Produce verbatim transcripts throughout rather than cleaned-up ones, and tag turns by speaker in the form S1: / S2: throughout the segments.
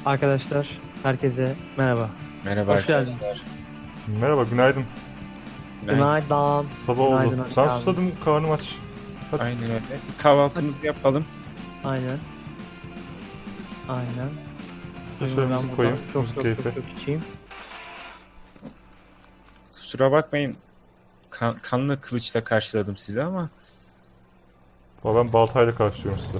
S1: Arkadaşlar, herkese merhaba.
S2: Merhaba
S1: Hoş geldin.
S2: arkadaşlar.
S3: Merhaba, günaydın.
S2: Günaydın.
S1: Günaydın.
S3: Sabah oldu.
S1: Günaydın, hoş
S3: Ben
S1: geldiniz.
S3: susadım, karnım aç. Hadi.
S2: Aynen öyle. Kahvaltımızı yapalım.
S1: Aynen. Aynen.
S3: Size
S1: Suyumu
S3: şöyle
S1: ben
S3: müzik
S1: buradan
S3: koyayım,
S1: Çok
S3: müzik
S1: çok
S3: keyfi.
S1: çok çok içeyim.
S2: Kusura bakmayın. Kan- kanlı kılıçla karşıladım sizi ama
S3: Valla ben baltayla karşılıyorum sizi.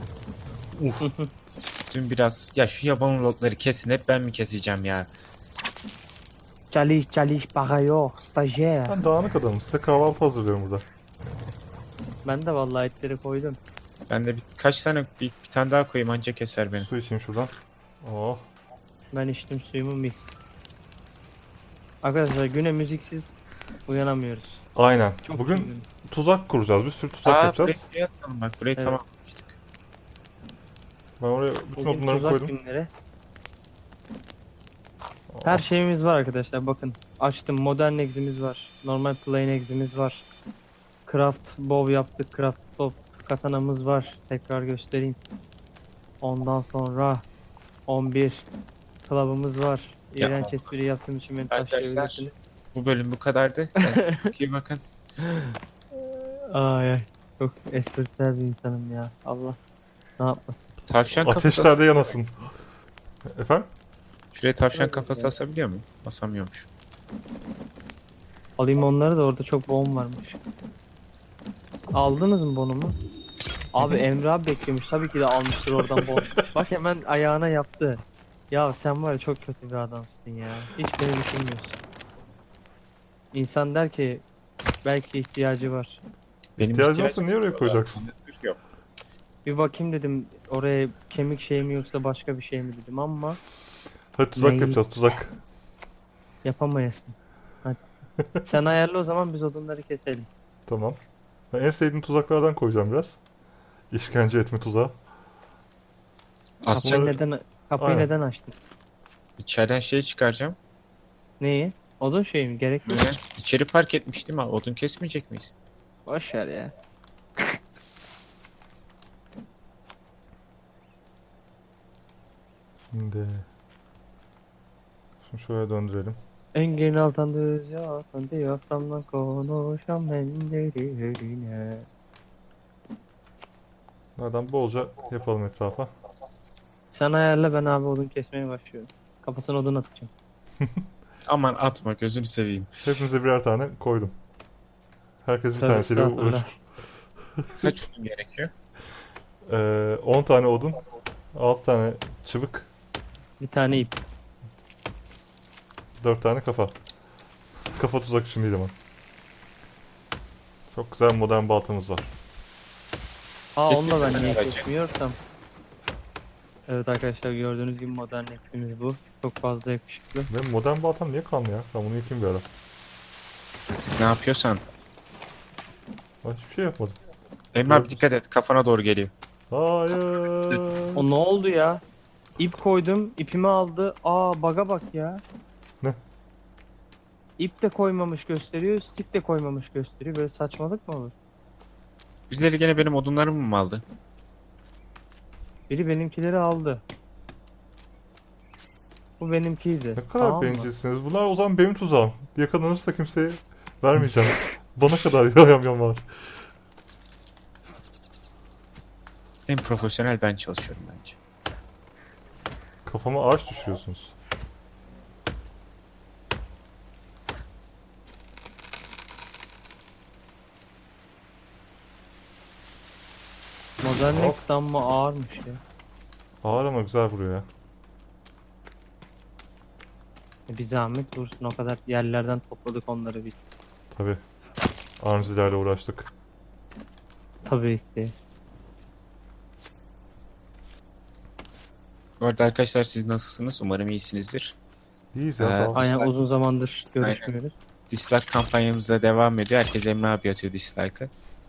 S2: dün biraz ya şu yaban lotları kesin, hep ben mi keseceğim ya?
S1: Çalış çalış para yok. Stajyer.
S3: Ben dağınık adamım, size kahvaltı hazırlıyorum burada.
S1: Ben de vallahi etleri koydum.
S2: Ben de bir, kaç tane bir, bir tane daha koyayım, anca keser beni.
S3: Su içeyim şuradan. Oh.
S1: Ben içtim suyumu mis. Arkadaşlar güne müziksiz uyanamıyoruz.
S3: Aynen.
S1: Çok
S3: Bugün
S1: üzgünüm.
S3: tuzak kuracağız, bir sürü tuzak
S2: Aa,
S3: yapacağız.
S2: buraya atalım bak, burayı
S1: Evet.
S2: tamamlamıştık.
S3: Ben oraya bütün
S1: Bugün
S3: odunları
S1: tuzak
S3: koydum.
S1: günleri.
S3: Oh.
S1: Her şeyimiz var arkadaşlar, bakın. Açtım, modern ex'imiz var. Normal plain ex'imiz var. Craft bow yaptık. Craft bow katanamız var. Tekrar göstereyim. Ondan sonra on bir club'ımız var.
S2: Ya,
S1: İğrenç espri yaptığım için beni
S2: arkadaşlar,
S1: taşlayabilirsiniz.
S2: Bu bölüm bu kadardı. Yani çok iyi bakın.
S1: Ay ay. Çok espritüel bir insanım ya. Allah ne yapmasın.
S2: Tavşan kafası.
S3: Ateşlerde yanasın. Efendim?
S2: Şuraya tavşan
S1: Evet,
S2: kafası
S1: evet.
S2: asabiliyor muyum? Asamıyormuş.
S1: Alayım onları da, orada çok bon varmış. Aldınız mı bonumu? Abi Emre abi bekliyormuş. Tabii ki de almıştır oradan bon. Bak hemen ayağına yaptı. Ya sen var ya, çok kötü bir adamsın ya. Hiç beni düşünmüyorsun. İnsan der ki belki ihtiyacı var.
S2: Benim
S3: İhtiyacın olsa
S2: ihtiyacım
S3: niye oraya
S2: yok.
S3: koyacaksın?
S2: Yok.
S1: Bir bakayım dedim oraya, kemik şey mi yoksa başka bir şey mi dedim ama
S3: Hadi tuzak
S1: Neyi?
S3: yapacağız, tuzak.
S1: yapamayasın. Hadi. Sen ayarla o zaman, biz odunları keselim.
S3: Tamam. Ben en sevdiğim tuzaklardan koyacağım biraz. İşkence etme tuzağı.
S1: Kapıyı
S2: Asacak.
S3: Bunları-
S1: neden kapıyı
S3: Aynen.
S1: neden açtın?
S2: İçeriden şey çıkaracağım.
S1: Neyi? Odun şey mi? Gerek yok.
S2: Böyle içeri park etmiştim ha. Odun kesmeyecek miyiz?
S1: Boş ver ya.
S3: Şimdi... Şunu şöyle döndürelim.
S1: Engin altan düz yatan diyaframdan konuşan menderine.
S3: Nereden bolca yapalım etrafa.
S1: Sen ayarla, ben abi odun kesmeye başlıyorum. Kafasına odun atacağım.
S2: Aman atma, gözünü seveyim.
S3: Hepimize birer tane koydum. Herkes bir
S1: Tövbe
S3: tanesiyle
S1: estağfurullah.
S3: uğraşır.
S2: Kaç odun gerekiyor?
S3: Ee, on tane odun, altı tane çıbık,
S1: Bir tane ip.
S3: dört tane kafa. Kafa tuzak için değil ama. Çok güzel modern baltamız var.
S1: Aa, onu da ben
S2: Getirdim
S1: niye
S2: aracı.
S1: kesmiyorsam. Evet arkadaşlar, gördüğünüz gibi modern ekibimiz bu. Çok fazla yakışıklı.
S3: Benim modern baltam niye kanlı ya? Ben bunu yıkayayım bir ara.
S2: Artık ne yapıyorsan.
S3: Ben hiçbir şey yapmadım.
S2: Emre abi dikkat et, kafana doğru geliyor.
S3: Hayır.
S1: O ne oldu ya? İp koydum, ipimi aldı. Aa, baga bak ya.
S3: Ne?
S1: İp de koymamış gösteriyor, stick de koymamış gösteriyor. Böyle saçmalık mı olur?
S2: Birileri gene benim odunlarımı mı aldı?
S1: Biri benimkileri aldı. Bu benimkiydi.
S3: Ne kadar
S1: Tamam mı?
S3: bencilsiniz. Bunlar o zaman benim tuzağım. Yakalanırsa kimseye vermeyeceğim. Bana kadar yam var.
S2: En profesyonel ben çalışıyorum bence.
S3: Kafama ağaç düşürüyorsunuz.
S1: Modern
S3: Hop.
S1: X'ten mı ağırmış ya?
S3: Ağır ama güzel vuruyor ya.
S1: E, bir zahmet vursun, o kadar yerlerden topladık onları biz.
S3: Tabi. Armzilerle uğraştık.
S1: Tabii işte.
S2: Bu arada arkadaşlar, siz nasılsınız? Umarım iyisinizdir.
S3: İyiyiz ya,
S2: Ee,
S3: sağ ol.
S1: Aynen,
S2: Dislike-
S1: uzun zamandır görüşmüyoruz.
S2: Dislike kampanyamız da devam ediyor. Herkes Emre abi atıyor dislike'ı.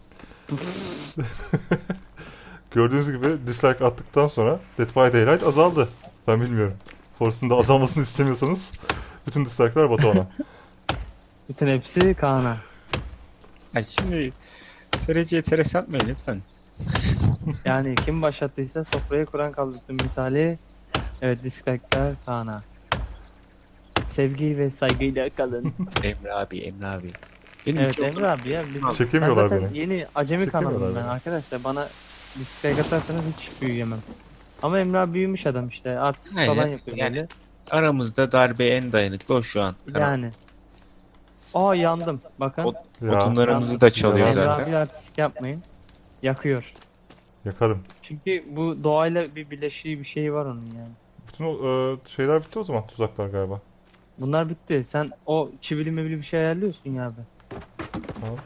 S3: Gördüğünüz gibi dislike attıktan sonra Dead by Daylight azaldı. Ben bilmiyorum. Force'un da azalmasını istemiyorsanız bütün dislike'lar Batuhan'a.
S1: Bütün hepsi Kaan'a.
S2: Ay şimdi tereciye teres atmayın lütfen.
S1: Yani kim başlattıysa sofrayı kuran kaldırsın misali. Evet, dislike'lar Kaan'a. Sevgi ve saygıyla kalın.
S2: Emre abi, Emre abi. Benim
S1: Evet
S2: iki
S1: Emre abi ya. Biz,
S3: Çekemiyorlar
S1: ben zaten
S3: beni.
S1: yeni acemi
S3: Çekemiyorlar
S1: kanalım ben
S3: beni.
S1: arkadaşlar. Bana dislike atarsanız hiç büyüyemem. Ama Emre abi büyümüş adam işte. Artist
S2: Aynen.
S1: falan yapıyor
S2: Yani
S1: böyle.
S2: aramızda darbeye en dayanıklı o şu an kanal.
S1: Yani. Aa yandım. Bakın.
S2: O-
S3: Ya
S2: Odunlarımızı da çalıyor
S1: Emre
S3: yalarsınız.
S2: zaten.
S1: abi artistik yapmayın. Yakıyor.
S3: Yakarım.
S1: Çünkü bu doğayla bir bileşiği bir şey var onun yani.
S3: Bütün o e, şeyler bitti o zaman, tuzaklar galiba.
S1: Bunlar bitti. Sen o çivili mivili bir şey ayarlıyorsun ya abi.
S3: Tamam.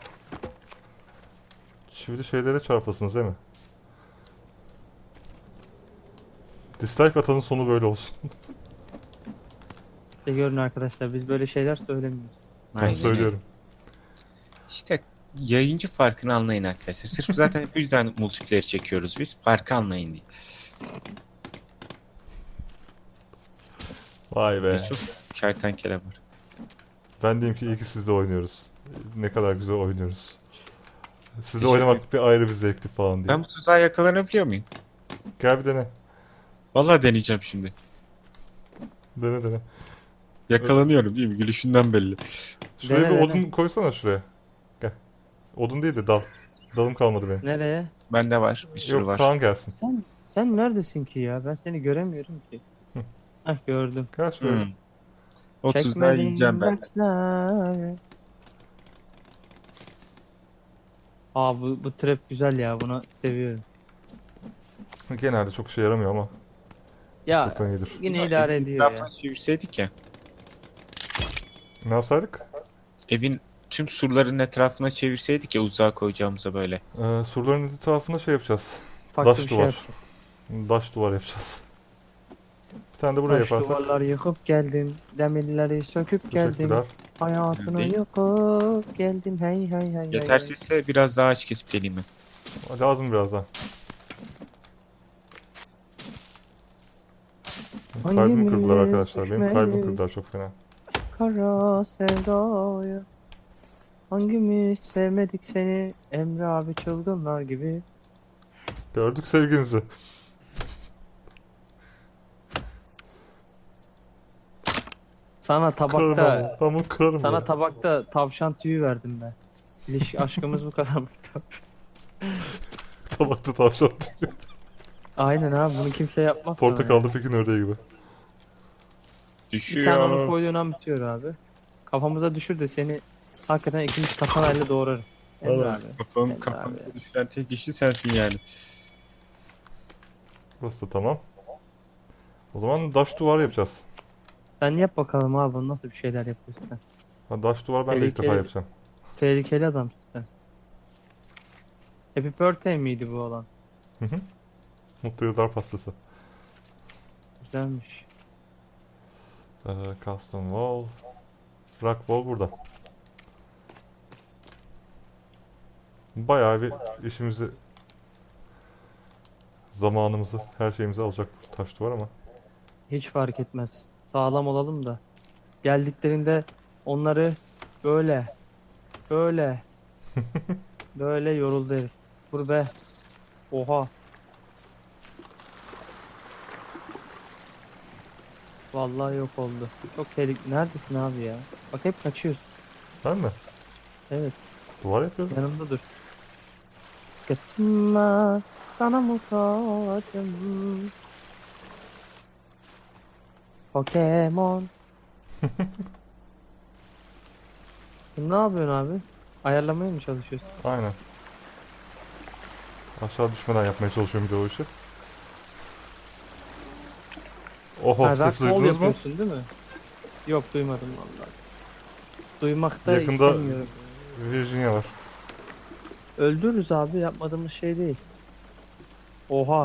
S3: Çivili şeylere çarpasınız değil mi? Dislike atanın sonu böyle olsun.
S1: İşte görün arkadaşlar biz böyle şeyler söylemiyoruz.
S3: Ben
S2: Aynen öyle.
S3: söylüyorum.
S2: İşte yayıncı farkını anlayın arkadaşlar. Sırf zaten bu yüzden multiplayer çekiyoruz biz. Farkı anlayın diye.
S3: Vay be.
S2: Ve çok kertenkele var.
S3: Ben diyeyim ki iyi ki sizle oynuyoruz. Ne kadar güzel oynuyoruz. Sizle
S2: Teşekkür
S3: oynamak bir ayrı bir zevkli falan diye.
S2: Ben bu tuzağa yakalanabiliyor muyum?
S3: Gel bir dene.
S2: Vallahi deneyeceğim şimdi.
S3: Dene dene.
S2: Yakalanıyorum değil mi? Gülüşünden belli.
S3: Şuraya
S1: Dene,
S3: bir
S1: dene.
S3: odun koysana şuraya. Gel. Odun değil de dal. Dalım kalmadı benim.
S1: Nereye?
S2: Bende var. Bir sürü
S3: Yok
S2: var.
S3: Kaan gelsin.
S1: Sen sen neredesin ki ya? Ben seni göremiyorum ki.
S3: Hı.
S1: Hah gördüm.
S3: Gel şuraya.
S2: Hmm. O tuzağı yiyeceğim ben.
S1: başlar. Aa bu, bu trap güzel ya. Bunu seviyorum.
S3: Genelde çok işe yaramıyor ama
S1: Ya
S3: çoktan iyidir.
S1: yine idare
S2: Evin
S1: ediyor ya.
S2: etrafına çevirseydik ya.
S3: Ne yapsaydık?
S2: Evin tüm surların etrafına çevirseydik ya uzağa koyacağımıza böyle.
S3: Ee, surların etrafında şey yapacağız.
S1: Farklı
S3: Daş
S1: bir şey
S3: duvar.
S1: yapacağım.
S3: Daş duvar yapacağız. Bir tane de buraya
S1: Taş
S3: yaparsak.
S1: duvarları yıkıp geldim. Demirleri söküp geldim.
S3: Teşekkürler.
S1: Hayatını
S2: Değil.
S1: yıkıp geldim. Hey hey hey hey.
S2: Yetersizse biraz daha aç kesip geleyim ben.
S3: Lazım biraz daha. Kalbimi kırdılar arkadaşlar. Benim kalbimi kırdılar çok fena.
S1: Kara sevdaya. Hangimiz sevmedik seni Emre abi çılgınlar gibi.
S3: Gördük sevginizi.
S1: Sana
S3: Kırarım
S1: tabakta
S3: ama. Ben bunu kırarım
S1: sana
S3: ya.
S1: tabakta tavşan tüyü verdim ben. İlişki aşkımız bu kadar mı?
S3: Tabakta tavşan.
S1: Aynen abi bunu kimse yapmaz sana
S3: Portakallı Pekin ördeği gibi.
S1: ya. Bir tane onu
S2: Düşüyor.
S1: koyduğun an bitiyor abi. Kafamıza düşür de seni hakikaten ikinci kafanayla doğrarım. Emre
S3: Vallahi.
S1: abi.
S2: Kafam,
S1: Emre
S2: kafamda
S1: abi.
S2: düşen tek kişi sensin yani.
S3: Burası da tamam. O zaman daş duvar yapacağız.
S1: Sen yap bakalım abi nasıl bir şeyler yapıyorsun sen.
S3: Ha, daş duvar ben de ilk defa
S1: Tehlikeli.
S3: yapacağım.
S1: Tehlikeli adamsın sen. Happy Birthday miydi bu olan?
S3: Hı hı. Mutlu yıllar pastası.
S1: Güzelmiş.
S3: Ee, custom wall. Rock wall burada. Bayağı bir işimizi, zamanımızı, her şeyimizi alacak bu taş duvar ama.
S1: Hiç fark etmez. Sağlam olalım da. Geldiklerinde onları böyle, böyle, böyle yoruldu herif. Vur be. Oha. Vallahi yok oldu. Çok tehlikeli. Neredesin abi ya? Bak hep kaçıyorsun.
S3: Ben mi?
S1: Evet,
S3: Duvar yapıyorum.
S1: yanımda dur. Gitme, sana muhtacım. Pokemon. Ne yapıyorsun abi? Ayarlamaya mı çalışıyorsun?
S3: Aynen. Aşağı düşmeden yapmaya çalışıyorum bir de o işi. Oho,
S1: Ha,
S3: ses
S1: rock wall
S3: duydunuz mu?
S1: yapıyorsun değil mi? Yok duymadım vallahi. Duymak da
S3: Yakında
S1: istemiyorum.
S3: Virginia var.
S1: Öldürürüz abi yapmadığımız şey değil. Oha.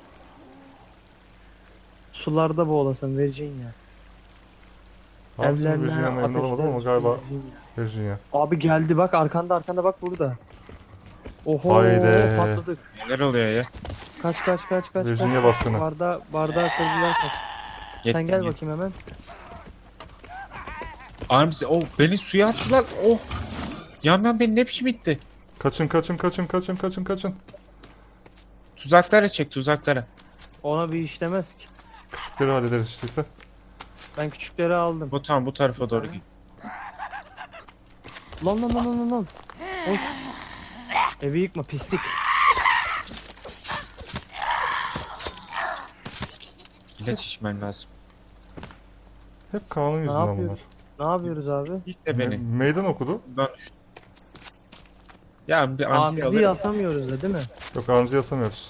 S1: Sularda boğulasın Virginia.
S3: Hangisinin
S1: Evlerine
S3: Virginia'nın emin olamadım ama
S1: ateşler
S3: galiba
S1: Virginia.
S3: Virginia.
S1: Abi geldi bak arkanda arkanda bak burada. Oho
S3: Haydi.
S1: patladık.
S2: Neler oluyor ya?
S1: Kaç kaç kaç kaç.
S3: Virginia
S1: kaç.
S3: baskını.
S1: Bardağı, bardağı kırdılar kaç. Sen
S2: Yettim,
S1: gel
S2: yettim.
S1: bakayım hemen.
S2: Arms, oh beni suya attılar. Oh. Yamyam beni ne biçim itti?
S3: Kaçın kaçın kaçın kaçın kaçın kaçın.
S2: Tuzaklara çek tuzaklara.
S1: Ona bir işlemez ki.
S3: Küçükleri hallederiz işteyse.
S1: Ben küçükleri aldım.
S2: Bu tam bu tarafa doğru gidiyor.
S1: Lan lan lan lan lan. Hoş. Evi yıkma pislik.
S2: İlaç içmen lazım.
S3: Hep Kaan'ın yüzünden bunlar.
S1: yapıyoruz? Ne yapıyoruz abi?
S2: Hiç de beni.
S3: Me- meydan okudu.
S2: Bundan düştüm. Ya bir anti
S1: Ağamızı
S2: alırım.
S1: yasamıyoruz da değil mi?
S3: Yok armızı yasamıyoruz.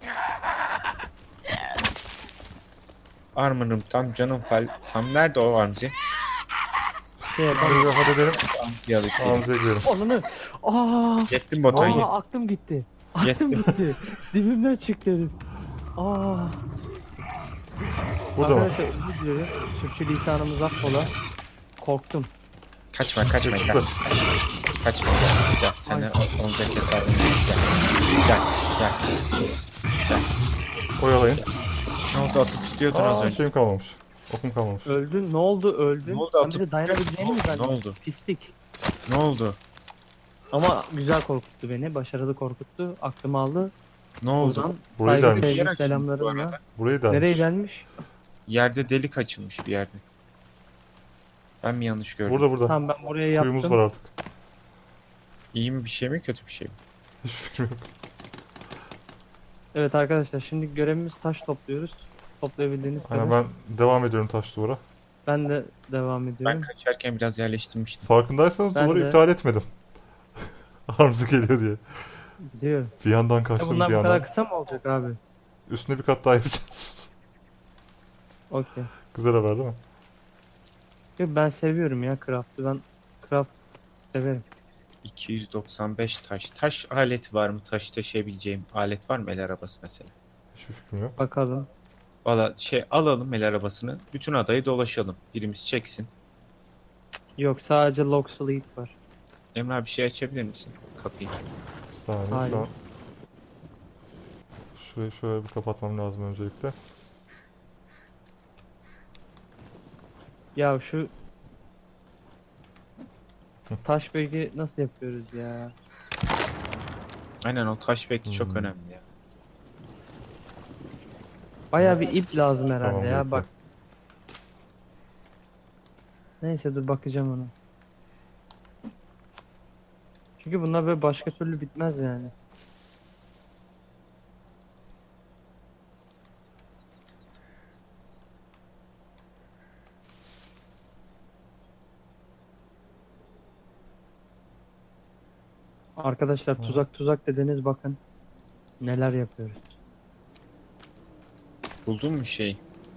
S2: Armor'ım tam, canım fal. Tam nerede o armzi?
S1: Şey
S3: Hadi
S1: yapalım.
S3: bir halledelim.
S2: Anti alıp gelin.
S3: Armızıya gidelim.
S1: Onunu. Aa.
S2: Yettim botan
S1: Aa
S2: ye.
S1: aklım gitti. Aklım
S2: Yettim.
S1: gitti. Dibimden çıktı herif. Aa.
S3: Burada mı?
S1: Arkadaşlar özür dilerim. Sürçülisanımız affola. Korktum.
S2: Kaçma kaçma gel.
S3: Çıktı.
S2: Kaçma gel. Gel sana olacak hesabını. Gel. Gel. Gel. Gel.
S3: Oyalayın.
S2: Ne oldu, atıp tutuyordun az
S3: Aa
S2: önce.
S3: şeyim kalmamış. Okum kalmamış.
S1: Öldün. Ne oldu? Öldün.
S2: Ne oldu,
S1: Sen
S2: atıp
S1: bize dayanabileceğini mi
S2: Ne
S1: zannettin?
S2: oldu?
S1: Pislik.
S2: Ne oldu?
S1: Ama güzel korkuttu beni. Başarılı korkuttu. Aklımı aldı.
S2: Ne oldu?
S1: Buradan
S3: Burayı
S1: saygı,
S3: delmiş.
S2: Yer
S1: sevgi,
S2: açılmış bu
S1: selamlarımla.
S2: arada.
S3: Burayı delmiş.
S1: Nereye gelmiş?
S2: Yerde delik açılmış bir yerde. Ben mi yanlış gördüm?
S3: Burada burada.
S1: Tamam ben buraya yaptım.
S3: Kuyumuz var artık.
S2: İyi mi bir şey mi, kötü bir şey mi?
S3: Hiç fikrim yok.
S1: Evet arkadaşlar şimdi görevimiz taş topluyoruz. Toplayabildiğiniz kadar.
S3: Aynen ben devam ediyorum taş duvara.
S1: Ben de devam
S2: Ben
S1: ediyorum.
S2: kaçarken biraz yerleştirmiştim.
S3: Farkındaysanız
S1: Ben
S3: duvarı
S1: de.
S3: iptal etmedim. Armızı geliyor diye.
S1: Gidiyorum.
S3: Bir yandan
S1: Ya
S3: kaçtım
S1: bunlar
S3: bir
S1: bu
S3: yandan.
S1: kadar kısa mı olacak abi?
S3: Üstüne bir kat daha yapacağız.
S1: Okey.
S3: Güzel haber değil mi?
S1: Yok, ben seviyorum ya craft'ı. Ben craft severim.
S2: iki yüz doksan beş taş. Taş aleti var mı? Taş taşıyabileceğim alet var mı? El arabası mesela.
S3: Hiçbir fikrim yok.
S1: Bakalım.
S2: Valla şey, alalım el arabasını. Bütün adayı dolaşalım. Birimiz çeksin.
S1: Yok sadece log sleep var.
S2: Emre abi bir şey açabilir misin? Kapıyı.
S3: Bir saniye
S1: Hayır.
S3: şu an. Şurayı şöyle bir kapatmam lazım öncelikle.
S1: Ya şu taş bölge nasıl yapıyoruz ya?
S2: Aynen, o taş bekli çok
S3: Hmm.
S2: önemli ya.
S1: Baya bir ip lazım herhalde
S3: Tamam,
S1: ya
S3: bekle.
S1: bak. Neyse dur bakacağım ona. Çünkü bunlar böyle başka türlü bitmez yani. Arkadaşlar
S3: Hı.
S1: tuzak tuzak dediniz bakın. Neler yapıyoruz.
S2: Buldun mu şey?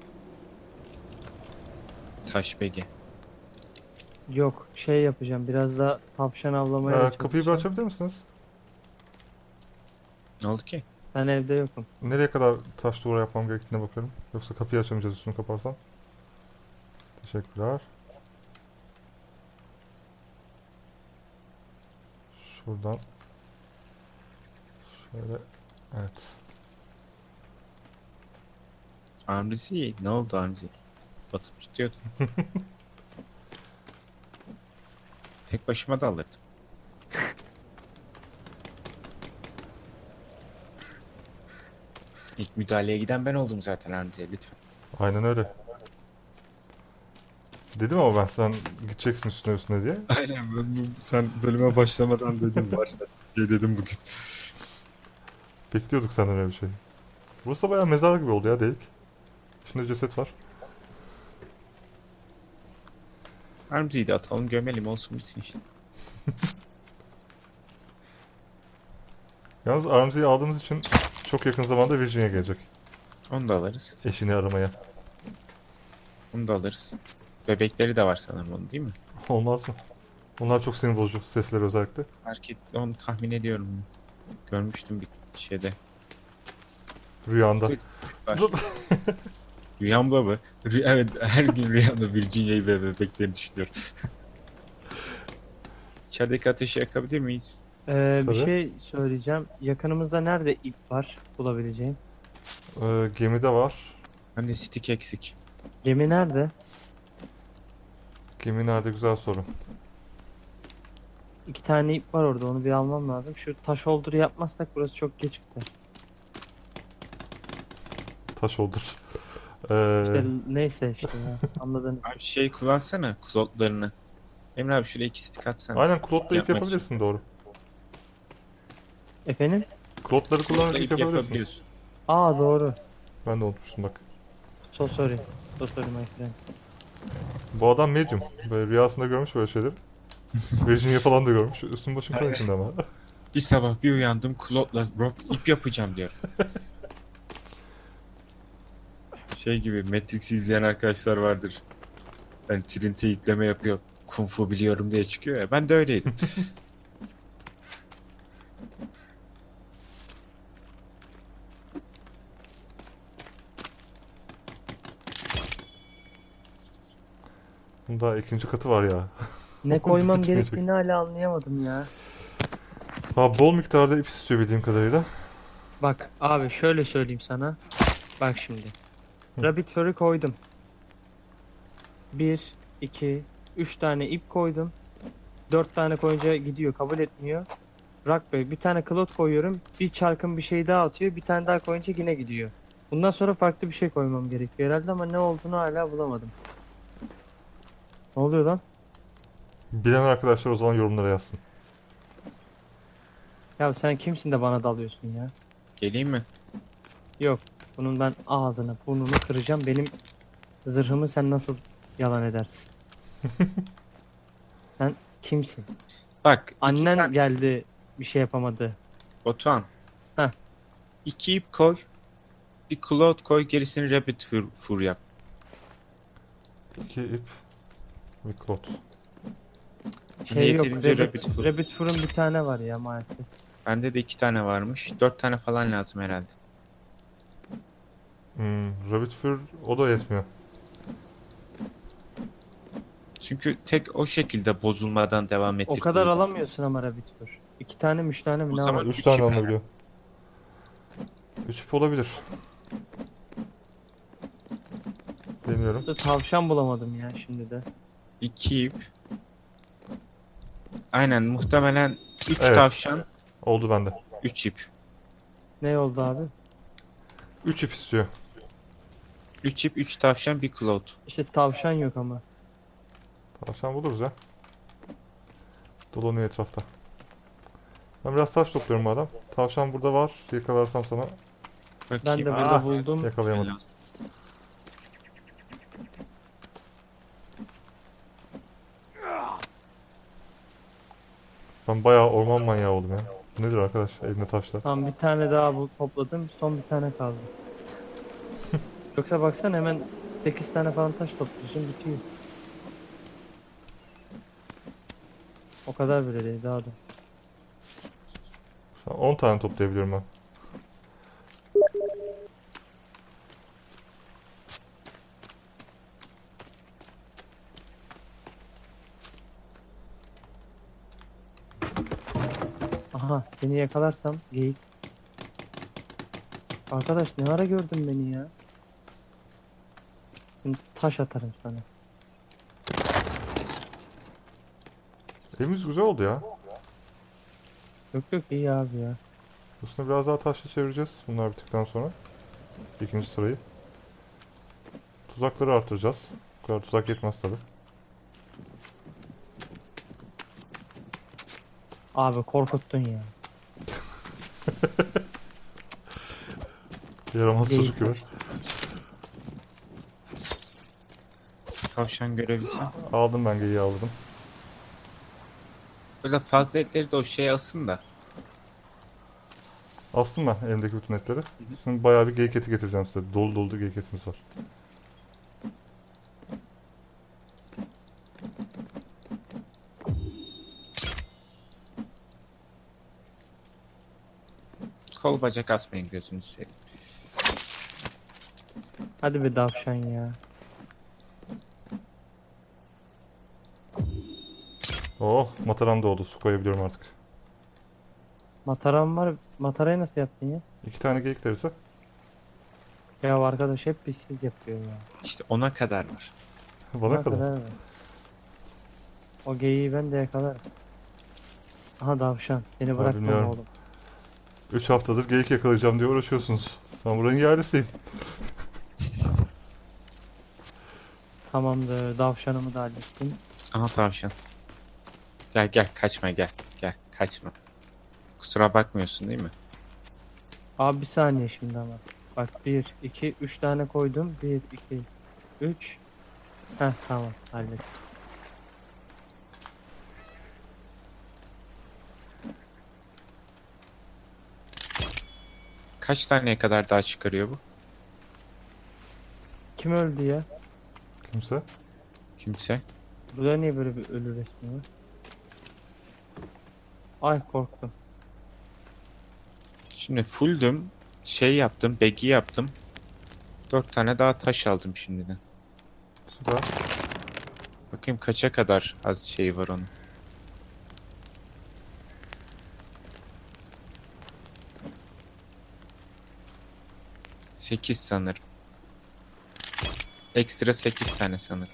S2: Taş begi.
S1: Yok şey yapacağım biraz da tavşan avlamaya
S3: Ee, kapıyı bir
S1: çalışacağım.
S3: açabilir misiniz?
S2: Ne oldu ki?
S1: Ben evde yokum.
S3: Nereye kadar taş duvara yapmam gerektiğine bakıyorum. Yoksa kapıyı açamayacağız üstünü kaparsam. Teşekkürler. Şuradan. Şöyle. Evet.
S2: Armzi ne oldu Armzi? Batıp tutuyordum. Tek başıma da alırdım. İlk müdahaleye giden ben oldum zaten Armzi'ye, lütfen.
S3: Aynen öyle. Dedim ama ben sen gideceksin üstüne üstüne diye.
S2: Aynen, sen bölüme başlamadan dedim varsa şey dedim bugün.
S3: Bekliyorduk senden öyle bir şey. Burası da bayağı mezar gibi oldu ya, delik. İçinde ceset var.
S2: Armzi'yi de atalım, gömelim, olsun bitsin işte.
S3: Yalnız Armzi'yi aldığımız için çok yakın zamanda Virginia gelecek.
S2: Onu da alırız.
S3: Eşini aramaya.
S2: Onu da alırız. Bebekleri de var sanırım onun, değil mi?
S3: Olmaz mı? Onlar çok sinir bozucu. Sesleri özellikle.
S2: Fark et, onu tahmin ediyorum. Görmüştüm bir şeyde.
S3: Rüyanda.
S2: Var. Rüyamda mı? Rü- evet, her gün rüyamda Virginia'yı ve bebekleri düşünüyorum. İçerideki ateşi yakabilir miyiz?
S1: Ee, bir
S3: Tabii.
S1: şey söyleyeceğim. Yakınımızda nerede ip var bulabileceğim?
S3: Ee, gemide var.
S2: Hani stick eksik.
S1: Gemi nerede?
S3: Gemi nerede, güzel soru.
S1: İki tane ip var orada onu bir almam lazım. Şu taş holdır'ı yapmazsak burası çok geç biter.
S3: Taş olur. Ee,
S1: İşte neyse işte ya. Anladın.
S2: Abi şey kullansana klotlarını. Emre abi şuraya iki stick atsana.
S3: aynen klotla ip
S2: Yapmak
S3: yapabilirsin, doğru.
S1: Efendim?
S3: Klotları kullanarak
S2: Klotla
S3: ip
S2: ip
S3: yapabilirsin.
S2: yapabiliyorsun.
S1: Aa doğru.
S3: Ben de unutmuştum bak.
S1: So sorry. So sorry my friend.
S3: Bu adam medium. Böyle rüyasında görmüş böyle şeyleri. Virginia falan da görmüş. Üstün başın kan içinde ama.
S2: Bir sabah bir uyandım klotla rope ip yapacağım diyor. Şey gibi Matrix'i izleyen arkadaşlar vardır. Ben Trinity yükleme yapıyor. Kung Fu biliyorum diye çıkıyor ya. Ben de öyleydim.
S3: Bunun daha ikinci katı var ya.
S1: Ne koymam
S3: Bitmeyecek.
S1: gerektiğini hala anlayamadım ya.
S3: Abi bol miktarda ip istiyor bildiğim kadarıyla.
S1: Bak abi şöyle söyleyeyim sana. Bak şimdi.
S3: Hı.
S1: Rabbit fur'ü koydum. Bir, iki, üç tane ip koydum. Dört tane koyunca gidiyor, kabul etmiyor. Rock Bey bir tane klot koyuyorum. Bir çarkın bir şey daha atıyor. Bir tane daha koyunca yine gidiyor. Bundan sonra farklı bir şey koymam gerekiyor herhalde ama ne olduğunu hala bulamadım. Ne oluyor lan?
S3: Bilen arkadaşlar o zaman yorumlara yazsın.
S1: Ya sen kimsin de bana dalıyorsun ya?
S2: Geleyim mi?
S1: Yok. Bunun ben ağzını, burnunu kıracağım. Benim zırhımı sen nasıl yalan edersin? Sen kimsin?
S2: Bak. iki
S1: Annen
S2: tane-
S1: geldi bir şey yapamadı.
S2: Batuhan.
S1: Heh.
S2: İki ip koy. Bir klot koy. Gerisini rabbit fur, fur yap.
S3: İki ip. Bir klot.
S1: Şey yok.
S2: yeterince
S1: Rabbit,
S2: Rabbit Fur.
S1: Rabbit Fur'un bir tane var ya maalesef.
S2: Bende de iki tane varmış. Dört tane falan lazım herhalde.
S3: Hmm, Rabbit Fur o da yetmiyor.
S2: Çünkü tek o şekilde bozulmadan devam
S1: O
S2: ettirtiyor.
S1: kadar alamıyorsun ama Rabbit Fur. İki tane mi üç tane mi
S2: O
S1: ne
S2: zaman
S1: var?
S3: Üç
S2: üç
S3: tane
S2: ip.
S3: alınabiliyor. Üç ip olabilir. Deniyorum.
S1: Tavşan bulamadım ya şimdi de.
S2: İki ip. Aynen muhtemelen üç
S3: Evet.
S2: tavşan,
S3: Oldu bende.
S2: üç ip.
S1: Ne oldu abi?
S3: Üç ip istiyor.
S2: üç ip, üç tavşan, bir klot.
S1: İşte tavşan yok ama.
S3: Tavşan buluruz ya. Dolanıyor etrafta. Ben biraz taş topluyorum madem. Tavşan burada var. Yakalarsam sana
S1: Ben
S2: Bakayım.
S1: de burada
S2: Aa,
S1: buldum.
S3: yakalayamadım. Ben bayağı orman manyağı oldum ya. Nedir arkadaş elimde taşlar?
S1: Tamam bir tane daha bu topladım. Son bir tane kaldı. Yoksa baksana hemen sekiz tane falan taş topluyorsun bitiyor. O kadar bile değil daha da.
S3: Şu an on tane toplayabiliyorum ben.
S1: Aha seni yakalarsam geyik. Arkadaş ne ara gördün beni ya? Şimdi taş atarım sana.
S3: Evimiz güzel oldu ya.
S1: Yok yok iyi abi ya.
S3: Üstüne biraz daha taşla çevireceğiz bunlar bittikten sonra. İkinci sırayı. Tuzakları artıracağız. Bu kadar tuzak yetmez tabi.
S1: Abi korkuttun ya.
S3: Yaramaz
S1: Değil.
S3: çocuk gibi.
S2: Tavşan görebilsem.
S3: Aldım ben geyiği aldım.
S2: Böyle fazla etleri de o şeye asın da.
S3: Astım ben elimdeki bütün etleri. Şimdi bayağı bir geyik eti getireceğim size. Dolu dolu da geyik etimiz var.
S2: Kol bacak asmayın gözünüzü seveyim.
S1: Hadi be davşan ya.
S3: Oh, mataram da oldu. Su koyabiliyorum artık.
S1: Mataram var. Matarayı nasıl yaptın ya?
S3: İki tane geyik derisi.
S1: Ya arkadaş hep bizsiz yapıyor ya.
S2: İşte ona kadar var.
S3: Bana
S1: Ne
S3: kadar.
S1: var. O geyiği ben de yakalarım. Aha davşan. Seni bırakmam
S3: bilmiyorum.
S1: oğlum.
S3: Üç haftadır geyik yakalayacağım diye uğraşıyorsunuz. Ben buranın yerlisiyim.
S1: Tamamdır. Davşanımı da hallettim.
S2: Aha tavşan. Gel gel kaçma gel. Gel kaçma. Kusura bakmıyorsun değil mi?
S1: Abi bir saniye şimdi ama. Bak bir, iki, üç tane koydum. Bir, iki, üç. Heh tamam hallettim.
S2: Kaç taneye kadar daha çıkarıyor bu?
S1: Kim öldü ya?
S3: Kimse?
S2: Kimse.
S1: Burada niye böyle bir ölü resmi var? Ay korktum.
S2: Şimdi fulldüm. Şey yaptım. Begi yaptım. Dört tane daha taş aldım şimdiden.
S3: Süper.
S2: Bakayım kaça kadar az şey var onun. Sekiz sanırım. Ekstra sekiz tane sanırım.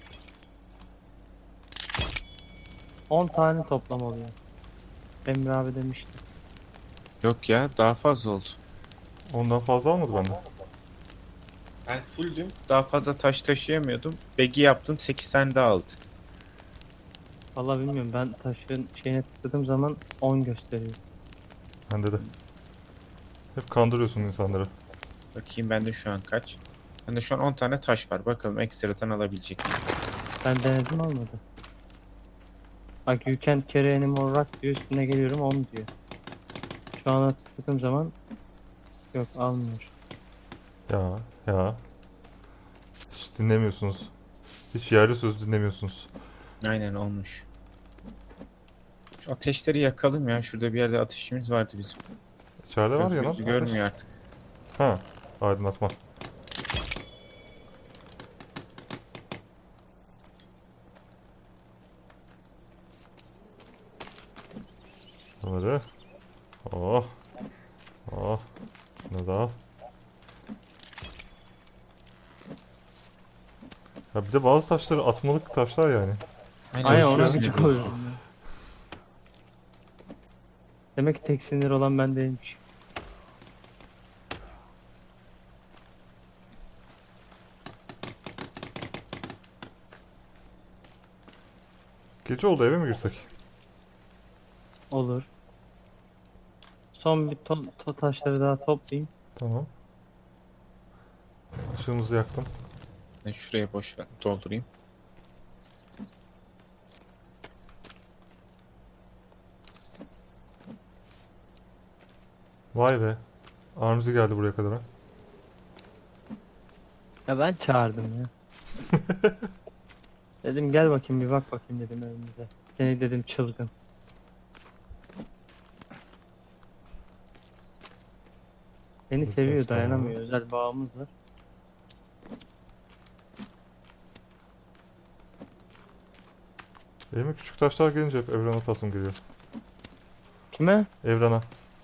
S1: on tane toplam oluyor. Emre abi demişti.
S2: Yok ya daha fazla oldu.
S3: Ondan fazla almadı bende.
S2: Ben fulldüm. Daha fazla taş taşıyamıyordum. Begi yaptım sekiz tane daha aldı.
S1: Vallahi bilmiyorum, ben taşın şeyine tıkladığım zaman on gösteriyor.
S3: Bende de. Hep kandırıyorsun insanları.
S2: Bakayım bende şu an kaç. Bende şu an on tane taş var. Bakalım ekstradan alabilecek miyim?
S1: Ben denedim olmadı. Bak you can't carry any more rock diyor, üstüne geliyorum on diyor. Şu ana tıkladığım zaman yok almıyor.
S3: Ya ya. Hiç dinlemiyorsunuz. Hiç yerli söz dinlemiyorsunuz.
S2: Aynen olmuş. Şu ateşleri yakalım ya. Şurada bir yerde ateşimiz vardı bizim.
S3: İçeride var ya lan.
S2: Gözümüzü görmüyor artık.
S3: Ha. Aydınlatma. Hadi. Oh. Oh. Ne daha? Ya bir de bazı taşları atmalık taşlar yani.
S1: Aynen ona
S3: Konuşuyor.
S1: gıcık oluyorum ben. Demek ki tek sinir olan ben değilmiş.
S3: Gece oldu, eve mi girsek?
S1: Olur. Son bir to to taşları daha toplayayım.
S3: Tamam. Işığımızı yaktım.
S2: Ben şuraya boş ver- doldurayım.
S3: Vay be. Armzi geldi buraya kadar ha.
S1: Ya ben çağırdım ya. Dedim gel bakayım bir bak bakayım dedim evimize. Seni dedim çılgın. Beni
S3: Bir
S1: seviyor,
S3: taş daha
S1: dayanamıyor. Özel bağımız var.
S3: Elime küçük taşlar gelince hep Evren'a tasım geliyor.
S1: Kime?
S3: Evren'a.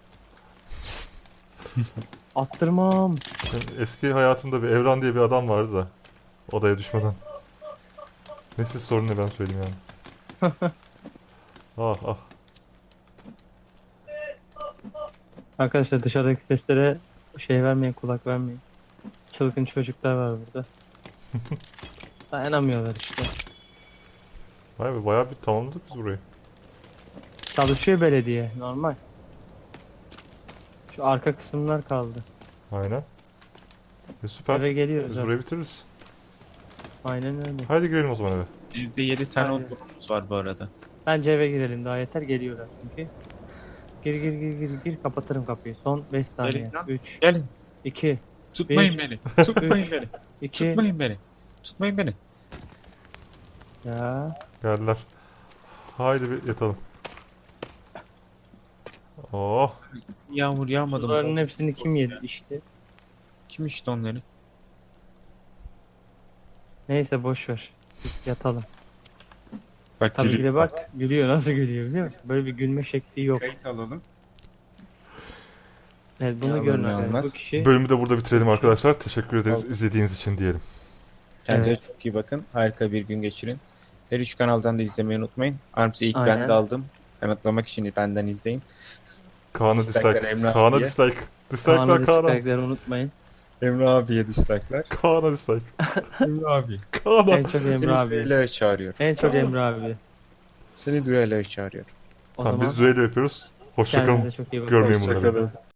S1: Attırmam.
S3: Benim eski hayatımda bir Evren diye bir adam vardı da. Odaya düşmeden. Nesil sorunu ne ben söyleyeyim yani. Ah ah.
S1: Arkadaşlar dışarıdaki seslere şey vermeyin, kulak vermeyin. Çılgın çocuklar var burada. Dayanamıyorlar işte.
S3: Vay be, bayağı bir tamamladık biz burayı.
S1: Çalışıyor belediye, normal. Şu arka kısımlar kaldı.
S3: Aynen. E, süper.
S1: Eve geliyoruz.
S3: Biz
S1: ha.
S3: burayı bitiririz.
S1: Aynen öyle.
S3: Haydi girelim o zaman eve.
S2: Evde yedi tane
S1: Aynen.
S2: odunumuz var bu arada.
S1: Bence eve girelim, daha yeter, geliyorlar çünkü. Gir gir gir gir gir, kapatırım kapıyı. Son beş saniye.
S2: Gelin lan.
S1: üç,
S2: Gelin.
S1: iki,
S2: Tutmayın
S1: Bir,
S2: beni. Tutmayın
S1: üç,
S2: beni.
S1: iki.
S2: Tutmayın beni. Tutmayın beni.
S1: Ya.
S3: Geldiler. Haydi bir yatalım. Oh.
S2: Yağmur yağmadı
S1: Bunların
S2: mı?
S1: hepsini kim yedi işte.
S2: Kim içti onları?
S1: Neyse boş ver. Biz yatalım.
S2: Bak
S1: Tabii ki
S2: gülü-
S1: de bak gülüyor, nasıl gülüyor biliyor musun? Böyle bir gülme şekli yok.
S2: Kayıt alalım.
S1: Evet, bunu
S2: Yağmur
S1: görün.
S2: yağmaz.
S1: Bu kişi
S3: Bölümü de burada bitirelim arkadaşlar. Teşekkür ederiz
S2: Al.
S3: izlediğiniz için diyelim.
S2: Kendinize
S1: Evet.
S2: çok iyi bakın. Harika bir gün geçirin. Her üç kanaldan da izlemeyi unutmayın. Arms'ı ilk
S1: Aynen.
S2: ben de aldım. Kanıtlamak için benden izleyin.
S3: Kaan'a
S2: Dislike'lar
S3: dislike.
S2: Emrah
S3: Kaan'a
S2: abiye.
S3: dislike.
S1: Kaan'ı
S3: Dislike'lar Kaan'a.
S1: dislike'leri unutmayın.
S2: Emre abiye dislike'lar.
S3: Kaan'a dislike.
S2: Emre abi.
S3: Ana.
S1: En çok Emre
S2: Seni
S1: abi.
S2: düelloya çağırıyorum.
S1: En çok Emre abi.
S2: Seni düelloya çağırıyorum.
S1: O
S3: Tamam
S1: zaman
S3: biz düello yapıyoruz. Hoşçakalın.
S1: kendinize çok iyi bakın.
S3: Görmeyin bunları.
S2: Hoşçakalın.